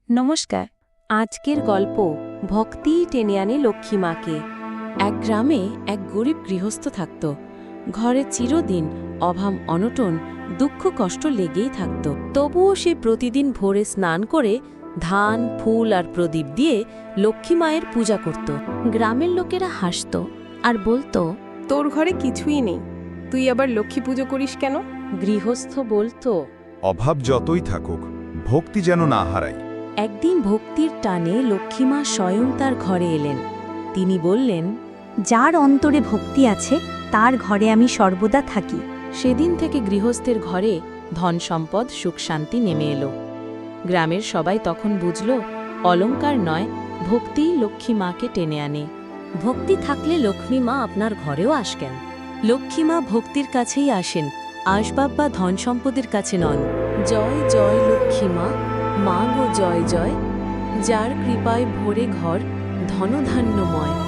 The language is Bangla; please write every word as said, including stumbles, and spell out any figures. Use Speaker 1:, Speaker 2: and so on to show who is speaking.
Speaker 1: নমস্কার। আজকের গল্প ভক্তিই টেনে আনে লক্ষ্মী মাকে। এক গ্রামে এক গরিব গৃহস্থ থাকত। ঘরে চিরদিন অভাব অনটন দুঃখ কষ্ট লেগেই থাকত। তবুও সে প্রতিদিন ভোরে স্নান করে ধান ফুল আর প্রদীপ দিয়ে লক্ষ্মী মায়ের পূজা করত। গ্রামের লোকেরা হাসত আর বলতো,
Speaker 2: তোর ঘরে কিছুই নেই, তুই আবার লক্ষ্মী পুজো করিস কেন?
Speaker 1: গৃহস্থ বলতো,
Speaker 3: অভাব যতই থাকুক, ভক্তি যেন না হারাই।
Speaker 1: একদিন ভক্তির টানে লক্ষ্মীমা স্বয়ং তার ঘরে এলেন। তিনি বললেন,
Speaker 4: যার অন্তরে ভক্তি আছে তার ঘরে আমি সর্বদা থাকি।
Speaker 1: সেদিন থেকে গৃহস্থের ঘরে ধন সম্পদ সুখ শান্তি নেমে এলো। গ্রামের সবাই তখন বুঝল, অলংকার নয়, ভক্তিই লক্ষ্মী মাকে টেনে আনে। ভক্তি থাকলে লক্ষ্মী মা আপনার ঘরেও আসবেন। লক্ষ্মী মা ভক্তির কাছেই আসেন, আসবাব বা ধন সম্পদের কাছে নন। জয় জয় লক্ষ্মী মা, মা গো জয় জয়, যার কৃপায় ভরে ঘর ধনধান্যময়।